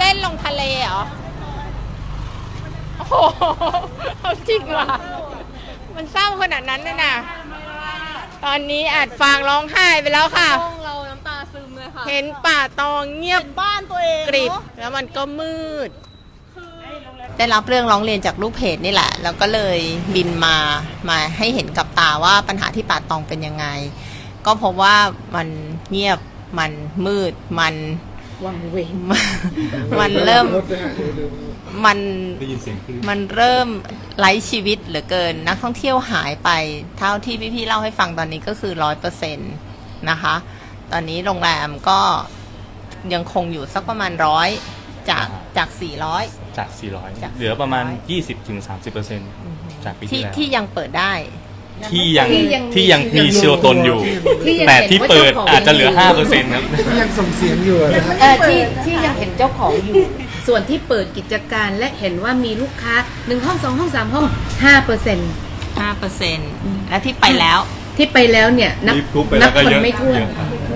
ล่นลงทะเลเหรอโอ้โหจริงว่ะมันเศร้าขนาดนั้นน่ะตอนนี้อาจฟางร้องไห้ไปแล้วค่ะเราน้ำตาซึมเลยค่ะเห็นป่าตองเงียบบ้านตัวเองกริบแล้วมันก็มืดได้รับเรื่องร้องเรียนจากลูกเพจนี่แหละแล้วก็เลยบินมาให้เห็นกับตาว่าปัญหาที่ป่าตองเป็นยังไงก็พบว่ามันเงียบมันมืดมันวังเวงมันเริ่มมันเริ่มไร้ชีวิตเหลือเกินนักท่องเที่ยวหายไปเท่าที่พี่ๆเล่าให้ฟังตอนนี้ก็คือ 100% นะคะตอนนี้โรงแรมก็ยังคงอยู่สักประมาณ100จาก400 เหลือประมาณ 20-30% จากปีที่แล้วที่ยังเปิดได้ที่ยังมีชีวตนอยู่แต่ที่เปิดอาจจะเหลือ 5% ครับที่ยังส่งเสียงอยู่ที่ยังเห็นเจ้าของอยู่ส่วนที่เปิดกิจการและเห็นว่ามีลูกค้า1ห้อง2ห้อง3ห้อง 5% และที่ไปแล้วเนี่ยนับคนไม่ถ้วน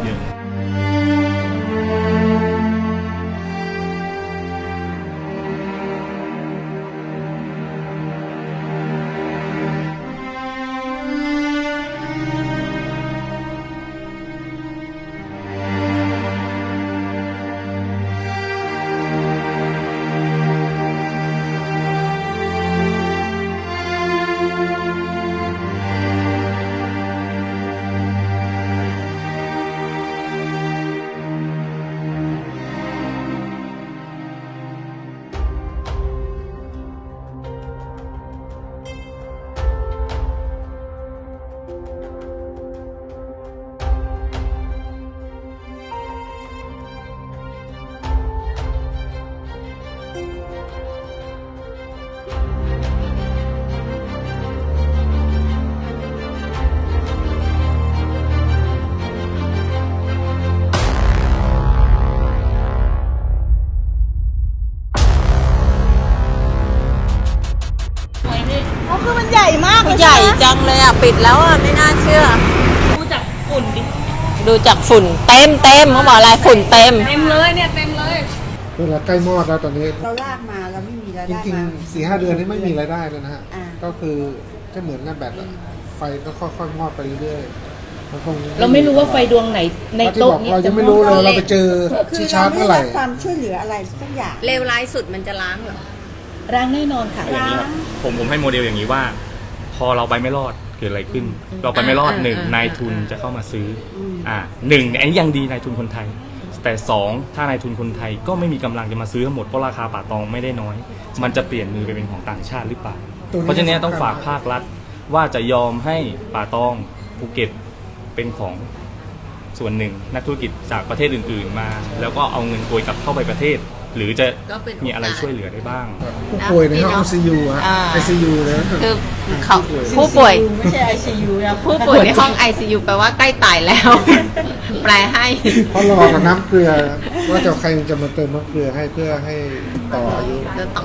คือมันใหญ่มากเลยใหญ่จังเลยอ่ะปิดแล้วอ่ะไม่น่าเชื่อดูจากฝุ่นดิดูจากฝุ่นเต็มเขาบอกอะไรฝุ่นเต็มเลยเนี่ยเต็มเลยเวลาใกล้มอดแล้วตอนนี้เราลากมาเราไม่มีรายได้จริงๆ 4-5 เดือนนี้ไม่มีรายได้เลยนะฮะก็คือจะเหมือนกันแบบไฟก็ค่อยๆมอดไปเรื่อยๆเราไม่รู้ว่าไฟดวงไหนในโต๊ะนี้เรายังไม่รู้เลยเราไปเจอชี้ชาร์จเมื่อไหร่ความช่วยเหลืออะไรสักอย่างเลวร้ายสุดมันจะล้างเหรอล้างแน่นอนค่ะอย่างนี้ครับผมให้โมเดลอย่างนี้ว่าพอเราไปไม่รอดเกิดอะไรขึ้นเราไปไม่รอด1นายทุนจะเข้ามาซื้อ1อันนี้ยังดีนายทุนคนไทยแต่2ถ้านายทุนคนไทยก็ไม่มีกำลังจะมาซื้อทั้งหมดเพราะราคาป่าตองไม่ได้น้อยมันจะเปลี่ยนมือไปเป็นของต่างชาติหรือเปล่าเพราะฉะนั้นต้องฝากภาครัฐว่าจะยอมให้ป่าตองภูเก็ตเป็นของส่วนหนึ่งนักธุรกิจจากประเทศอื่นๆมาแล้วก็เอาเงินโกยกลับเข้าไปประเทศหรือจะมีอะไรช่วยเหลือได้บ้างผู้ป่วยในห้อง ICU ฮะ ICU นะคือผู้ป่วยไม่ใช่ ICU นะผู้ป่วยในห้อง ICU แปลว่าใกล้ตายแล้วแปลให้เพราะรอกับน้ำเกลือว่าจะใครจะมาเติมน้ำเกลือให้เพื่อให้ต่ออายุ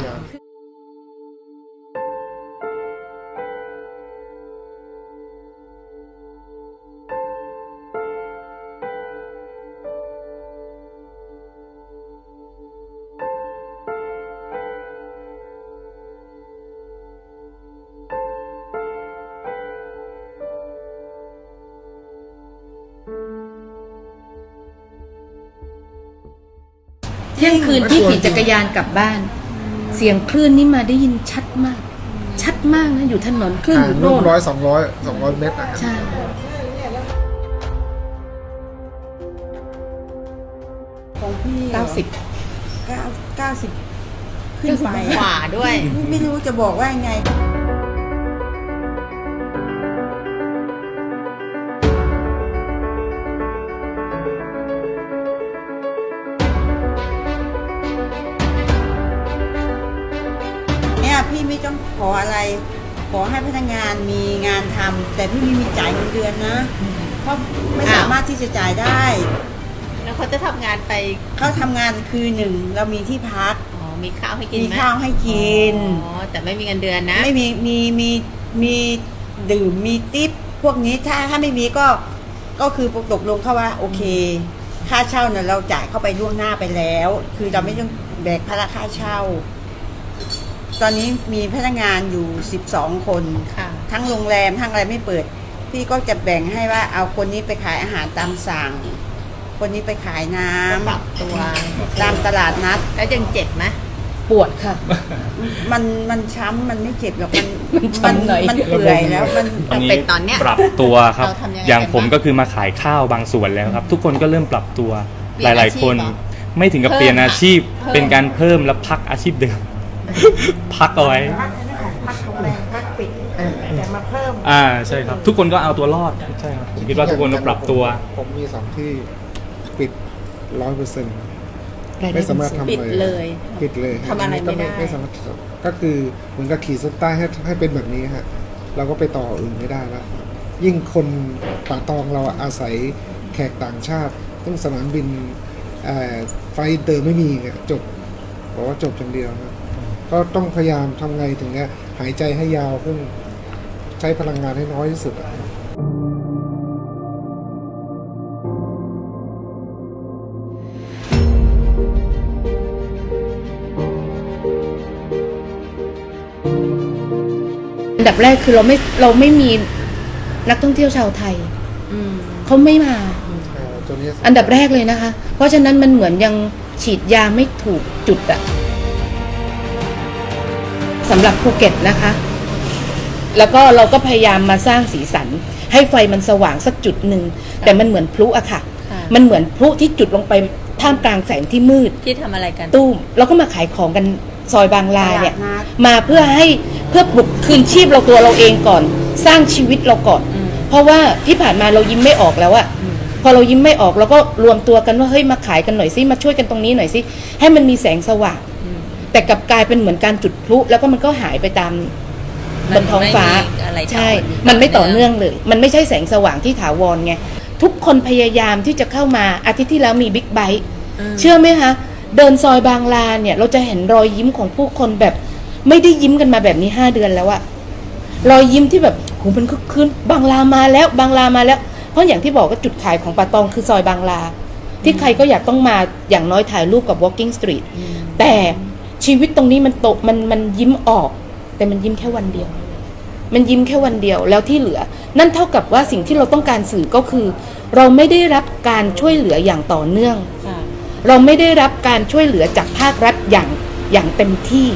เที่ยงคืนที่ขี่จักรยานกลับบ้านเสียงคลื่นนี่มาได้ยินชัดมากนะอยู่ถนนคลื่นอยู่โน่น 200 เมตรใช่ของพี่90ขึ้นไปขวาด้วยไม่รู้จะบอกว่าไงพี่ไม่ต้องขออะไรขอให้พนักงานมีงานทำแต่พี่ไม่มีจ่ายเงินเดือนนะเพราะไม่สามารถที่จะจ่ายได้แล้วเขาจะทำงานไปเขาทำงานคือ1เรามีที่พักมีข้าวให้กินมีข้าวให้กินแต่ไม่มีเงินเดือนนะไม่มีดื่มมีทิปพวกนี้ถ้าไม่มีก็คือตกลงเขาว่าโอเคค่าเช่าเนี่ยเราจ่ายเข้าไปล่วงหน้าไปแล้วคือเราไม่ต้องแบกภาระค่าเช่า ตอนนี้มีพนักงานอยู่12 คนค่ะทั้งโรงแรมทั้งอะไรไม่เปิด พี่ก็จะแบ่งให้ว่าเอาคนนี้ไปขายอาหารตามสั่ง คนนี้ไปขายน้ปรับตัวำตามตลาดนัดแล้วยังเจ็บไหมปวดค่ะมันช้ำมันไม่เจ็บหรอกมันช้ำหน่อยมันเปื่อยแล้วมันอันนี้เป็นตอนเนี้ยปรับตัวครับเราทำยังไงอย่างผมกันบ้างก็คือมาขายข้าวบางส่วนแล้วครับ ทุกคนก็เริ่มปรับตัวเปลี่หยนลาย ๆ คนอาชีพเหรอไม่ถึงกับเพิ่มเปลี่ยนอาชีพเพิ่มเป็นการเพิ่มและพักอาชีพเดิม พักเอาไว้พักโรงแรมพักปิดแต่มาเพิ่มใช่ครับ ทุกคนก็เอาตัวรอดใช่ครับผมคิดว่าทุกคนต้องปรับตัวผมมี2 ที่ปิด 100%ไม่สามารถทำปิดเลยปิดเลยทำอะไรไม่ได้ไม่สามารถก็คือเหมือนกับขีดเส้นใต้ให้เป็นแบบนี้ฮะเราก็ไปต่ออื่นไม่ได้แล้วยิ่งคนป่าตองเราอาศัยแขกต่างชาติซึ่งสนามบินไฟเตอร์ไม่มีไงจบบอกว่าจบอย่างเดียวนะก็ต้องพยายามทำไงถึงเนี้ยหายใจให้ยาวขึ้นใช้พลังงานให้น้อยที่สุดอะอันดับแรกคือเราไม่มีนักท่องเที่ยวชาวไทย เขาไม่มาตัวนี้อันดับแรกเลยนะคะ เพราะฉะนั้นมันเหมือนยังฉีดยาไม่ถูกจุดอะสำหรับภูเก็ตนะคะ แล้วก็เราก็พยายามมาสร้างสีสัน ให้ไฟมันสว่างสักจุดหนึ่งแต่มันเหมือนพลุอะค่ะค่ะมันเหมือนพลุที่จุดลงไปท่ามกลางแสงที่มืดที่ทำอะไรกันตุ้มเราก็มาขายของกันซอยบางลาเนี่ยตลาดนัดมาเพื่อปลุกคืนชีพเราตัวเราเองก่อน สร้างชีวิตเราก่อน เพราะว่าที่ผ่านมาเรายิ้มไม่ออกแล้วอะพอเรายิ้มไม่ออกเราก็รวมตัวกันว่าเฮ้ยมาขายกันหน่อยสิมาช่วยกันตรงนี้หน่อยสิให้มันมีแสงสว่างแต่กลับกลายเป็นเหมือนการจุดพลุแล้วก็มันก็หายไปตามบนท้องฟ้ามันไม่มีอะไรต่อใช่เนื่องมันไม่ต่อเนื่องเลย มันไม่ใช่แสงสว่างที่ถาวรไงทุกคนพยายามที่จะเข้ามาอาทิตย์ที่แล้วมีบิ๊กไบค์ เชื่อไหมคะเดินซอยบางลาเนี่ยเราจะเห็นรอยยิ้มของผู้คนแบบ ไม่ได้ยิ้มกันมาแบบนี้5 เดือนแล้วอะรอยยิ้มที่แบบโหมันคึกคืนบางลามาแล้วบางลามาแล้ว เพราะอย่างที่บอกก็จุดขายของป่าตองคือซอยบางลา ที่ใครก็อยากต้องมาอย่างน้อยถ่ายรูปกับ Walking Street แต่ชีวิตตรงนี้มันยิ้มออก แต่มันยิ้มแค่วันเดียว มันยิ้มแค่วันเดียวแล้วที่เหลือ นั่นเท่ากับว่าสิ่งที่เราต้องการสื่อก็คือ เราไม่ได้รับการช่วยเหลืออย่างต่อเนื่อง เราไม่ได้รับการช่วยเหลือจากภาครัฐอย่างเต็มที่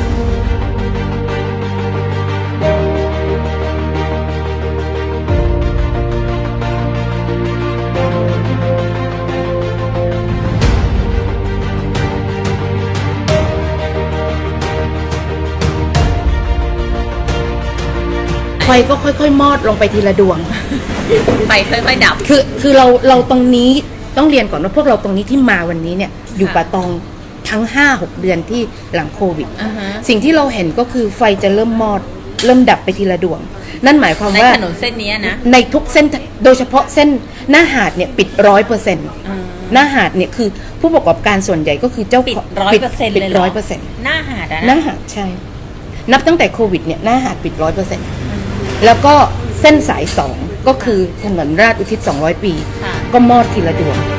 ไฟก็ค่อยๆมอดลงไปทีละดวงไปค่อยๆดับคือเราตรงนี้ต้องเรียนก่อนว่าพวกเราตรงนี้ที่มาวันนี้เนี่ยอยู่ป่าตองทั้ง 5-6 เดือนที่หลังโควิด สิ่งที่เราเห็นก็คือไฟจะเริ่มมอดเริ่มดับไปทีละดวง นั่นหมายความในว่าถนนเส้นนี้นะในทุกเส้นโดยเฉพาะเส้นหน้าหาดเนี่ยปิด 100%หน้าหาดเนี่ยคือผู้ประกอบการส่วนใหญ่ก็คือเจ้าปิดของ 100%เลยเหรอ 100% หน้าหาดอะหน้านะหาดใช่ นับตั้งแต่โควิดเนี่ยหน้าหาดปิด 100%แล้วก็เส้นสาย 2 ก็คือถนนราชอุทิศ200 ปีค่ะก็มอดทีละดวง